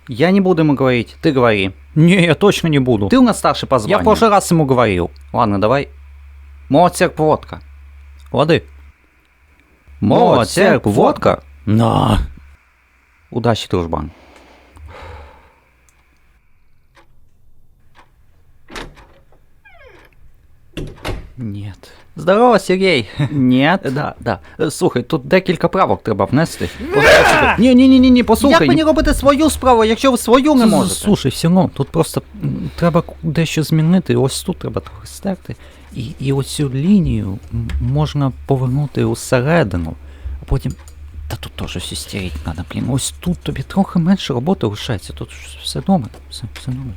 Я не буду ему говорить, ты говори. Не, я точно не буду. Ты у нас старший по званию. Я в прошлый раз ему говорил. Ладно, давай. Молодцерк, водка. Лады. Молодцерк, водка? На. Удачи, дружбан. Нет. Здорово, Сергій. Нет. Да. Слухай, тут декілька правок треба внести. Ні, послухай. Як мені робити свою справу, якщо ви свою не можете? Слушай, все одно, тут просто треба дещо змінити. Ось тут треба трохи стерти. І оцю лінію можна повернути усередину. А потім... Та тут теж все стереть треба, блін. Ось тут тобі трохи менше роботи лишається. Тут все добре. Все добре.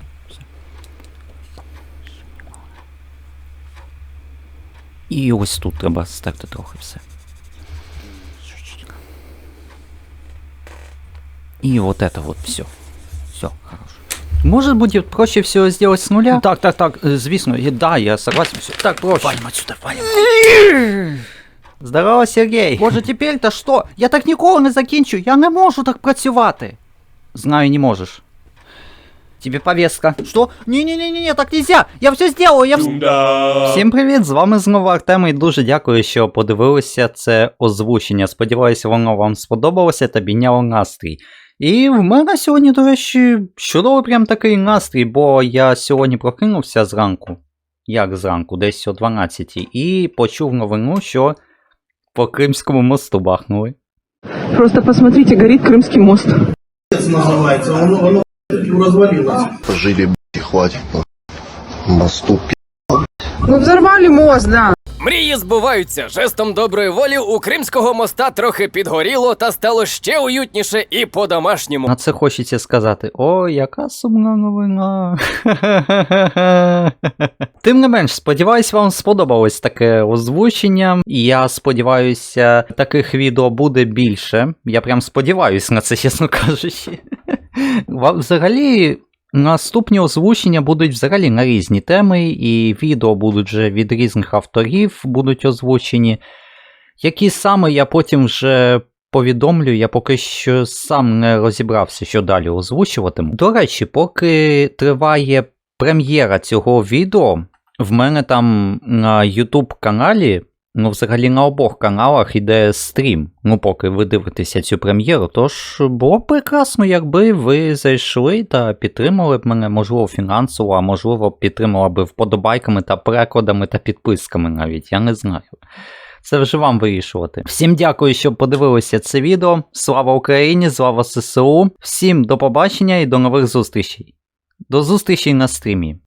І ось тут треба стерти трохи все. И вот это вот все. Все, хорошо. Может будет проще всего сделать с нуля? Так, звісно, да, я согласен. Все. Так, проще. Валим отсюда, валим. Здорово, Сергій. Боже, тепер-то що? Я так ніколи не закінчу, я не можу так працювати. Знаю, не можеш. Тебе повестка. Что? Не, так нельзя! Я все сделаю, Всім привіт, з вами знову Артем і дуже дякую, що подивилися це озвучення. Сподіваюся, воно вам сподобалося та підняло настрій. І в мене сьогодні, до речі, чудовий прям такий настрій, бо я сьогодні прокинувся зранку. Як зранку? Десь о 12-й. І почув новину, що по Кримському мосту бахнули. Просто посмотрите, горит Крымский мост. Называется, оно развалилось. Жили, хватит. Мосту, Ну взорвали мост, да. Мрії збуваються. Жестом доброї волі у Кримського моста трохи підгоріло та стало ще уютніше і по-домашньому. На це хочеться сказати: о, яка сумна новина. Тим не менш, сподіваюсь, вам сподобалось таке озвучення. Я сподіваюся, таких відео буде більше. Я прям сподіваюсь на це, чесно кажучи. Взагалі... Наступні озвучення будуть взагалі на різні теми, і відео будуть вже від різних авторів, будуть озвучені. Які саме я потім вже повідомлю, я поки що сам не розібрався, що далі озвучуватиму. До речі, поки триває прем'єра цього відео, в мене там на YouTube каналі, ну взагалі на обох каналах іде стрім, ну поки ви дивитеся цю прем'єру, тож було б прекрасно, якби ви зайшли та підтримали б мене, можливо фінансово, а можливо підтримали б вподобайками та перекладами та підписками навіть, я не знаю. Це вже вам вирішувати. Всім дякую, що подивилися це відео, слава Україні, слава ЗСУ, всім до побачення і до нових зустрічей. До зустрічей на стрімі.